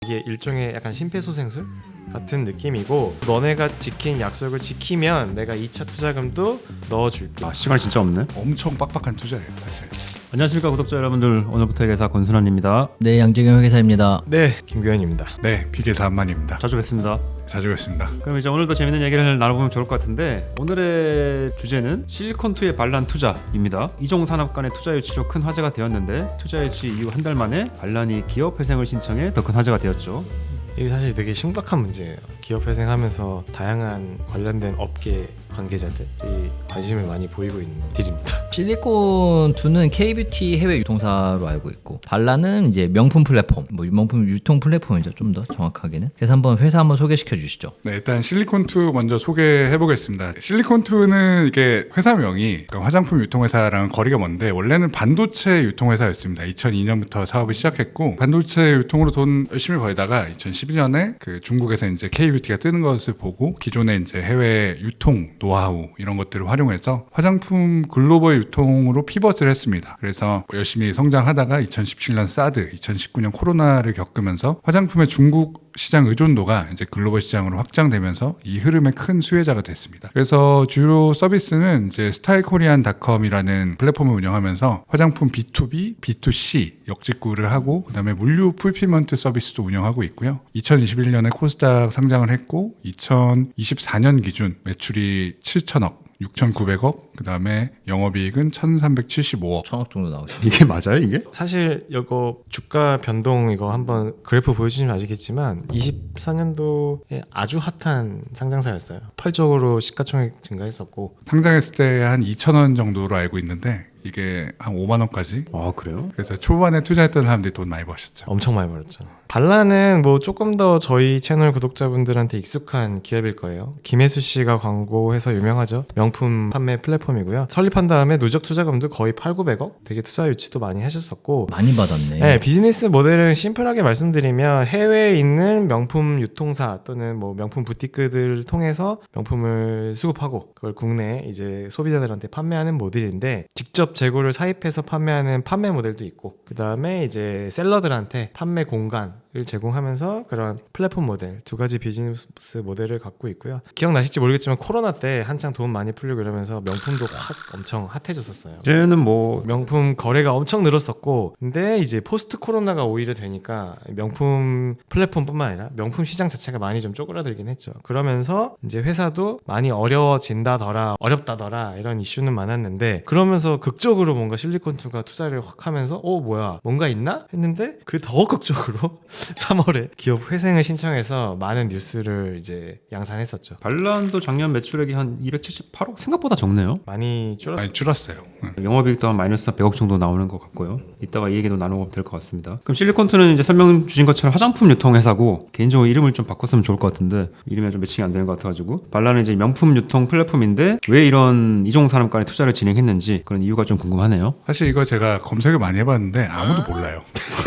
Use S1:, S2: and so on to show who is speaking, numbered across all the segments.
S1: 이게 일종의 약간 심폐소생술 같은 느낌이고, 너네가 지킨 약속을 지키면 내가 2차 투자금도 넣어줄게.
S2: 시간이 진짜 없네.
S3: 엄청 빡빡한 투자예요 사실.
S2: 안녕하십니까 구독자 여러분들, 오늘부터 회계사 권순환입니다.
S4: 네, 양재경 회계사입니다.
S1: 네, 김규현입니다.
S3: 네, 비계사 한만입니다.
S2: 자주 뵙습니다.
S3: 자주 뵙습니다.
S2: 그럼 이제 오늘도 재밌는 얘기를 나눠보면 좋을 것 같은데, 오늘의 주제는 실리콘2의 반란 투자입니다. 이종 산업 간의 투자 유치로 큰 화제가 되었는데, 투자 유치 이후 한 달 만에 반란이 기업 회생을 신청해 더 큰 화제가 되었죠.
S1: 이게 사실 되게 심각한 문제예요. 기업 회생하면서 다양한 관련된 업계 관계자들이 관심을 많이 보이고 있는 딜입니다.
S4: 실리콘2는 K-뷰티 해외 유통사로 알고 있고, 발라는 이제 명품 플랫폼, 명품 유통 플랫폼이죠, 좀 더 정확하게는. 그래서 회사 한번 소개시켜 주시죠.
S3: 네, 일단 실리콘2 먼저 소개해 보겠습니다. 실리콘2는 이게 회사명이 화장품 유통회사랑 거리가 먼데, 원래는 반도체 유통회사였습니다. 2002년부터 사업을 시작했고, 반도체 유통으로 돈 열심히 벌다가 2012년에 그 중국에서 이제 K-뷰티가 뜨는 것을 보고, 기존의 이제 해외 유통 노하우 이런 것들을 활용해서 화장품 글로벌 유통으로 피벗을 했습니다. 그래서 열심히 성장하다가 2017년 사드, 2019년 코로나를 겪으면서 화장품의 중국 시장 의존도가 이제 글로벌 시장으로 확장되면서 이 흐름의 큰 수혜자가 됐습니다. 그래서 주요 서비스는 이제 스타일코리안닷컴이라는 플랫폼을 운영하면서 화장품 B2B, B2C 역직구를 하고, 그다음에 물류 풀필먼트 서비스도 운영하고 있고요. 2021년에 코스닥 상장을 했고, 2024년 기준 매출이 7천억, 6,900억, 그 다음에 영업이익은 1,375억.
S4: 1,000억 정도 나오시죠.
S2: 이게 맞아요, 이게?
S1: 사실 이거 주가 변동 이거 한번 그래프 보여주시면 아시겠지만 24년도에 아주 핫한 상장사였어요. 폭발적으로 시가총액 증가했었고,
S3: 상장했을 때 한 2,000원 정도로 알고 있는데, 이게 한 5만 원까지.
S2: 아, 그래요?
S3: 그래서 초반에 투자했던 사람들이 돈 많이 버셨죠.
S1: 엄청 많이 벌었죠. 발라는 뭐 조금 더 저희 채널 구독자분들한테 익숙한 기업일 거예요. 김혜수 씨가 광고해서 유명하죠. 명품 판매 플랫폼이고요. 설립한 다음에 누적 투자금도 거의 8,900억? 되게 투자 유치도 많이 하셨었고,
S4: 많이 받았네.
S1: 네, 비즈니스 모델은 심플하게 말씀드리면 해외에 있는 명품 유통사 또는 뭐 명품 부티크들을 통해서 명품을 수급하고 그걸 국내 이제 소비자들한테 판매하는 모델인데, 직접 재고를 사입해서 판매하는 판매 모델도 있고, 그 다음에 이제 셀러들한테 판매 공간을 제공하면서 그런 플랫폼 모델, 두 가지 비즈니스 모델을 갖고 있고요. 기억나실지 모르겠지만 코로나 때 한창 돈 많이 풀리고 이러면서 명품도 확 엄청 핫해졌었어요.
S2: 이제는 뭐
S1: 명품 거래가 엄청 늘었었고, 근데 이제 포스트 코로나가 오히려 되니까 명품 플랫폼뿐만 아니라 명품 시장 자체가 많이 좀 쪼그라들긴 했죠. 그러면서 이제 회사도 많이 어려워진다더라, 어렵다더라 이런 이슈는 많았는데, 그러면서 극적으로 뭔가 실리콘2가 투자를 확 하면서 뭐야 뭔가 있나? 했는데 그 더 극적으로 3월에 기업 회생을 신청해서 많은 뉴스를 이제 양산했었죠.
S2: 반란도 작년 매출액이 한 278억? 생각보다 적네요.
S1: 많이 줄었어요.
S3: 많이 줄었어요.
S2: 영업이익도 한 마이너스 100억 정도 나오는 것 같고요. 이따가 이 얘기도 나누고 될 것 같습니다. 그럼 실리콘2는 이제 설명 주신 것처럼 화장품 유통 회사고, 개인적으로 이름을 좀 바꿨으면 좋을 것 같은데 이름이 좀 매칭이 안 되는 것 같아가지고, 발란은 이제 명품 유통 플랫폼인데 왜 이런 이종 산업 간의 투자를 진행했는지 그런 이유가 좀 궁금하네요.
S3: 사실 이거 제가 검색을 많이 해봤는데 아무도 몰라요.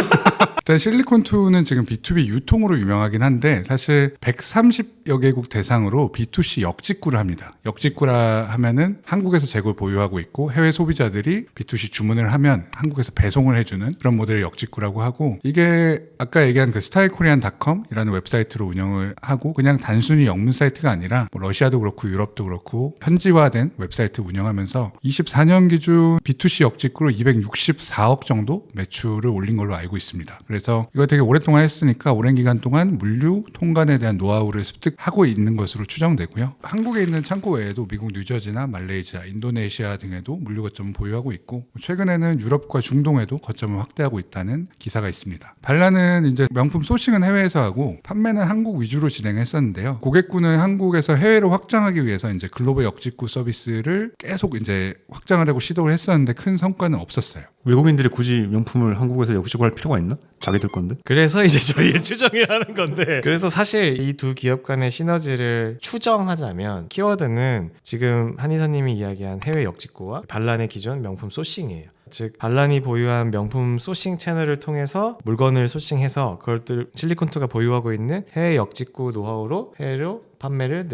S3: 일단 실리콘2는 지금 B2B 유통으로 유명하긴 한데, 사실 130여 개국 대상으로 B2C 역직구를 합니다. 역직구라 하면은 한국에서 재고를 보유하고 있고, 해외 소비자들이 B2C 주문을 하면 한국에서 배송을 해주는 그런 모델을 역직구라고 하고, 이게 아까 얘기한 그 스타일코리안닷컴이라는 웹사이트로 운영을 하고, 그냥 단순히 영문 사이트가 아니라 뭐 러시아도 그렇고 유럽도 그렇고 현지화된 웹사이트 운영하면서 24년 기준 B2C 역직구로 264억 정도 매출을 올린 걸로 알고 있습니다. 그래서 이거 되게 오랫동안 했으니까 오랜 기간 동안 물류 통관에 대한 노하우를 습득하고 있는 것으로 추정되고요. 한국에 있는 창고 외에도 미국 뉴저지나 말레이시아, 인도네시아 등에도 물류 거점을 보유하고 있고, 최근에는 유럽과 중동에도 거점을 확대하고 있다는 기사가 있습니다. 발라는 이제 명품 소싱은 해외에서 하고 판매는 한국 위주로 진행했었는데요. 고객군을 한국에서 해외로 확장하기 위해서 이제 글로벌 역직구 서비스를 계속 이제 확장을 하고 시도를 했었는데 큰 성과는 없었어요.
S2: 외국인들이 굳이 명품을 한국에서 역직구할 필요가 있나? 자기들 건데.
S1: 그래서 이제 저희의 추정이라는 건데, 그래서 사실 이 두 기업 간의 시너지를 추정하자면 키워드는 지금 한의사님이 이야기한 해외 역직구와 반란의 기존 명품 소싱이에요. 즉 반란이 보유한 명품 소싱 채널을 통해서 물건을 소싱해서 그걸 또 실리콘2가 보유하고 있는 해외 역직구 노하우로 해외로 판매를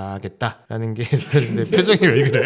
S1: 늘려가겠다라는 게 근데 표정이 왜 그래?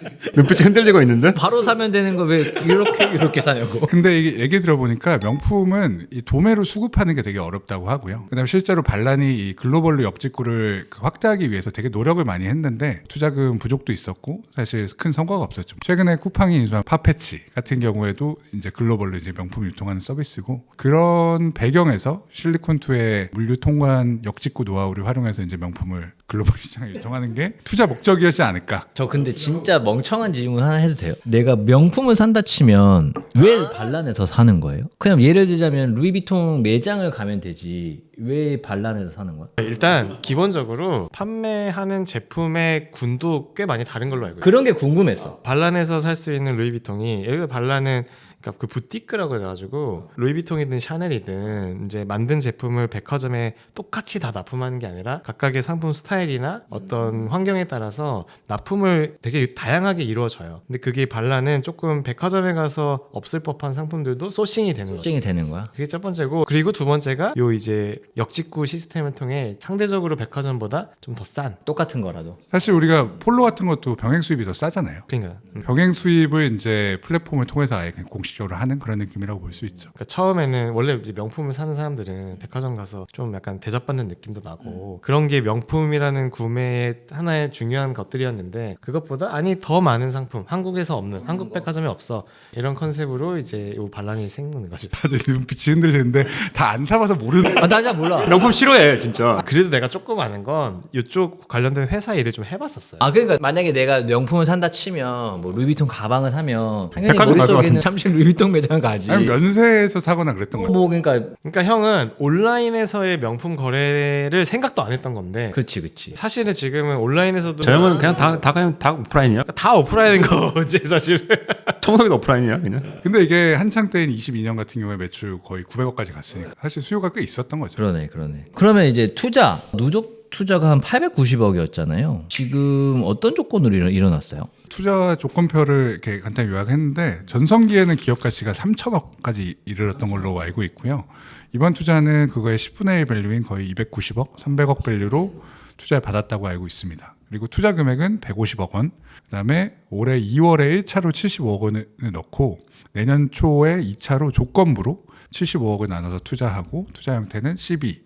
S2: 눈빛이 흔들리고 있는데?
S4: 바로 사면 되는 거 왜 이렇게 사냐고.
S3: 근데 이게 얘기 들어보니까 명품은 이 도매로 수급하는 게 되게 어렵다고 하고요. 그다음에 실제로 발란이 이 글로벌로 역직구를 확대하기 위해서 되게 노력을 많이 했는데 투자금 부족도 있었고 사실 큰 성과가 없었죠. 최근에 쿠팡이 인수한 파페치 같은 경우에도 이제 글로벌로 이제 명품 유통하는 서비스고 그런 배경에서 실리콘투의 물류 통관 역직구 노하우를 활용해서 이제 명품을 글로벌 시장에 유통하는 게 투자 목적이었지 않을까.
S4: 저 근데 진짜 멍청한 질문 하나 해도 돼요? 내가 명품을 산다 치면 왜 발란에서 사는 거예요? 그냥 예를 들자면 루이비통 매장을 가면 되지 왜 발란에서 사는 거야?
S1: 일단 기본적으로 판매하는 제품의 군도 꽤 많이 다른 걸로 알고 있어요.
S4: 그런 게 궁금했어.
S1: 발란에서 살 수 있는 루이비통이 예를 들어 발란은 그러니까 그 부티크라고 해가지고 루이비통이든 샤넬이든 이제 만든 제품을 백화점에 똑같이 다 납품하는 게 아니라 각각의 상품 스타일이나 어떤 환경에 따라서 납품을 되게 다양하게 이루어져요. 근데 그게 발란은 조금 백화점에 가서 없을 법한 상품들도 소싱이 되는 거죠.
S4: 소싱이 되는 거야?
S1: 그게 첫 번째고 그리고 두 번째가 요 이제 역직구 시스템을 통해 상대적으로 백화점보다 좀 더 싼.
S4: 똑같은 거라도.
S3: 사실 우리가 폴로 같은 것도 병행 수입이 더 싸잖아요.
S1: 그러니까
S3: 병행 수입을 이제 플랫폼을 통해서 아예 그냥 공식적으로 하는 그런 느낌이라고 볼 수 있죠.
S1: 그러니까 처음에는 원래 이제 명품을 사는 사람들은 백화점 가서 좀 약간 대접받는 느낌도 나고 그런 게 명품이라는 구매의 하나의 중요한 것들이었는데 그것보다 아니 더 많은 상품 한국에서 없는 한국 백화점에 없어 이런 컨셉으로 이제 이 반란이 생기는 거죠.
S3: 다들 눈빛이 흔들리는데 다 안 사봐서 모르는.
S4: 아, 나 잘 몰라.
S2: 명품 싫어해 진짜.
S1: 그래도 내가 조금 아는 건 이쪽 관련된 회사 일을 좀 해봤었어요.
S4: 아 그러니까 만약에 내가 명품을 산다 치면 뭐 루이비통 가방을 사면 당연히
S2: 백화점 갈것
S4: 머릿속에는 잠시 루이비통 매장 가지.
S3: 아니 면세에서 사거나 그랬던 거죠.
S4: 뭐 그러니까
S1: 그러니까 형은 온라인에서의 명품 거래를 생각도 안 했던 건데
S4: 그렇지.
S1: 사실은 지금은 온라인에서도
S2: 저 형은 그냥 다 오프라인이야.
S1: 다 오프라인인 거지 사실은.
S2: 청소기도 오프라인이야 그냥.
S3: 근데 이게 한창 때인 22년 같은 경우에 매출 거의 900억까지 갔으니까 사실 수요가 꽤 있었던 거죠.
S4: 그러네. 그러면 이제 투자 누적 투자가 한 890억이었잖아요. 지금 어떤 조건으로 일어났어요?
S3: 투자 조건표를 이렇게 간단히 요약했는데 전성기에는 기업 가치가 3천억까지 이르렀던 걸로 알고 있고요. 이번 투자는 그거의 10분의 1 밸류인 거의 290억, 300억 밸류로 투자를 받았다고 알고 있습니다. 그리고 투자 금액은 150억 원, 그다음에 올해 2월에 1차로 75억 원을 넣고 내년 초에 2차로 조건부로 75억을 나눠서 투자하고 투자 형태는 CB,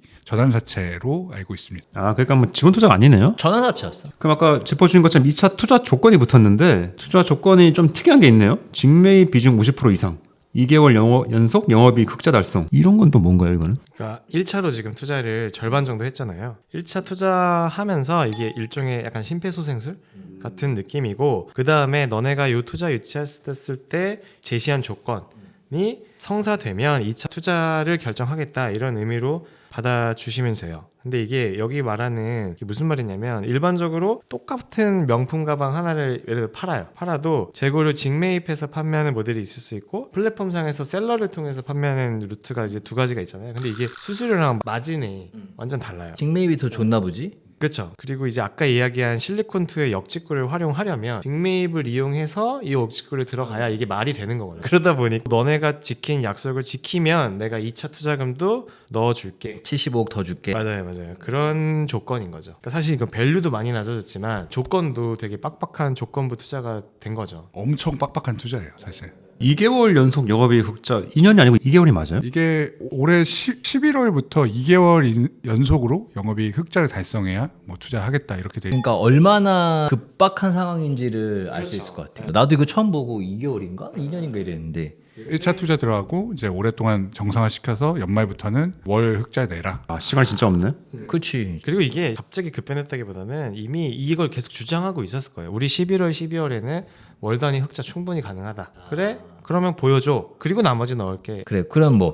S3: 전환사채로 알고 있습니다.
S2: 아 그러니까 뭐 지분 투자가 아니네요.
S4: 전환사채였어.
S2: 그럼 아까 짚어주신 것처럼 2차 투자 조건이 붙었는데 투자 조건이 좀 특이한 게 있네요. 직매입 비중 50% 이상, 2개월 연속 영업이익 흑자 달성. 이런 건 또 뭔가요 이거는?
S1: 그러니까 1차로 지금 투자를 절반 정도 했잖아요. 1차 투자하면서 이게 일종의 약간 심폐소생술 같은 느낌이고 그 다음에 너네가 이 투자 유치했을 때 제시한 조건이 성사되면 2차 투자를 결정하겠다 이런 의미로 받아주시면 돼요. 근데 이게 여기 말하는 게 무슨 말이냐면 일반적으로 똑같은 명품 가방 하나를 예를 들어 팔아도 재고를 직매입해서 판매하는 모델이 있을 수 있고 플랫폼상에서 셀러를 통해서 판매하는 루트가 이제 두 가지가 있잖아요. 근데 이게 수수료랑 마진이 완전 달라요.
S4: 직매입이 더 좋나 보지?
S1: 그렇죠. 그리고 이제 아까 이야기한 실리콘투의 역직구를 활용하려면 직매입을 이용해서 이 역직구를 들어가야 이게 말이 되는 거거든요. 그러다 보니 너네가 지킨 약속을 지키면 내가 2차 투자금도 넣어줄게.
S4: 75억 더 줄게.
S1: 맞아요. 그런 조건인 거죠. 그러니까 사실 이건 밸류도 많이 낮아졌지만 조건도 되게 빡빡한 조건부 투자가 된 거죠.
S3: 엄청 빡빡한 투자예요, 사실.
S2: 2개월 연속 영업이익 흑자 2년이 아니고 2개월이 맞아요?
S3: 이게 올해 11월부터 2개월 연속으로 영업이익 흑자를 달성해야 뭐 투자하겠다 이렇게 돼.
S4: 그러니까 얼마나 급박한 상황인지를 알 수 있을 것 같아요. 나도 이거 처음 보고 2개월인가? 2년인가 이랬는데
S3: 1차 투자 들어가고 이제 오랫동안 정상화 시켜서 연말부터는 월 흑자 내라.
S2: 아 시간이 진짜 없네.
S4: 그렇지.
S1: 그리고 이게 갑자기 급변했다기보다는 이미 이걸 계속 주장하고 있었을 거예요. 우리 11월, 12월에는 월 단위 흑자 충분히 가능하다. 그래? 그러면 보여줘. 그리고 나머지 넣을게.
S4: 그래. 그럼 뭐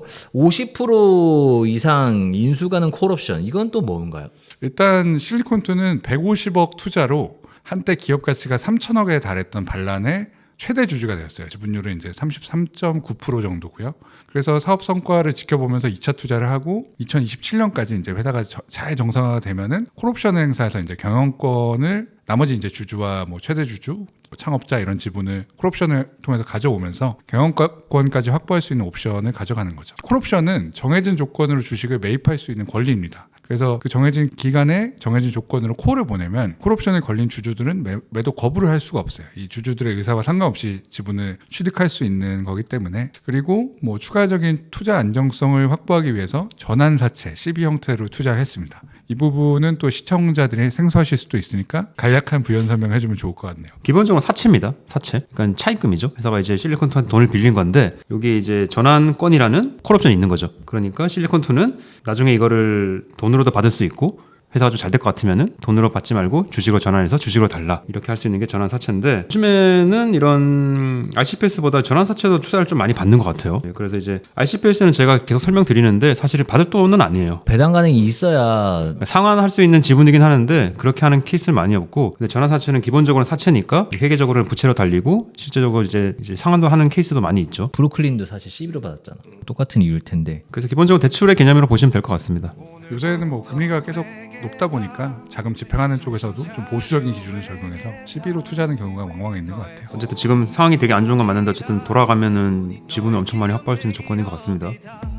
S4: 50% 이상 인수 가능 콜옵션 이건 또 뭔가요?
S3: 일단 실리콘투는 150억 투자로 한때 기업 가치가 3천억에 달했던 발란의 최대 주주가 되었어요. 지분율은 이제 33.9% 정도고요. 그래서 사업 성과를 지켜보면서 2차 투자를 하고 2027년까지 이제 회사가 잘 정상화가 되면은 콜옵션을 행사해서 이제 경영권을 나머지 이제 주주와 뭐 최대 주주, 창업자 이런 지분을 콜옵션을 통해서 가져오면서 경영권까지 확보할 수 있는 옵션을 가져가는 거죠. 콜옵션은 정해진 조건으로 주식을 매입할 수 있는 권리입니다. 그래서 그 정해진 기간에 정해진 조건으로 콜을 보내면 콜옵션에 걸린 주주들은 매도 거부를 할 수가 없어요. 이 주주들의 의사와 상관없이 지분을 취득할 수 있는 거기 때문에. 그리고 뭐 추가적인 투자 안정성을 확보하기 위해서 전환사채 CB 형태로 투자를 했습니다. 이 부분은 또 시청자들이 생소하실 수도 있으니까 간략한 부연 설명해주면 좋을 것 같네요.
S2: 기본적으로 사채입니다. 사채. 그러니까 차입금이죠. 회사가 이제 실리콘투한테 돈을 빌린 건데 여기 이제 전환권이라는 콜옵션이 있는 거죠. 그러니까 실리콘투는 나중에 이거를 돈으로도 받을 수 있고 회사가 좀 잘 될 것 같으면은 돈으로 받지 말고 주식으로 전환해서 주식으로 달라 이렇게 할 수 있는 게 전환 사채인데 요즘에는 이런 RCPS보다 전환 사채도 투자를 좀 많이 받는 것 같아요. 그래서 이제 RCPS는 제가 계속 설명드리는데 사실 받을 돈은 아니에요.
S4: 배당 가능이 있어야
S2: 상환할 수 있는 지분이긴 하는데 그렇게 하는 케이스는 많이 없고 근데 전환 사채는 기본적으로 사채니까 회계적으로는 부채로 달리고 실제적으로 이제 상환도 하는 케이스도 많이 있죠.
S4: 브루클린도 사실 CB로 받았잖아. 똑같은 이유일 텐데.
S2: 그래서 기본적으로 대출의 개념으로 보시면 될 것 같습니다.
S3: 요새는 뭐 금리가 계속 높다 보니까 자금 집행하는 쪽에서도 좀 보수적인 기준을 적용해서 CB로 투자하는 경우가 왕왕 있는 것 같아요.
S2: 어쨌든 지금 상황이 되게 안 좋은 건 맞는데 어쨌든 돌아가면은 지분을 엄청 많이 확보할 수 있는 조건인 것 같습니다.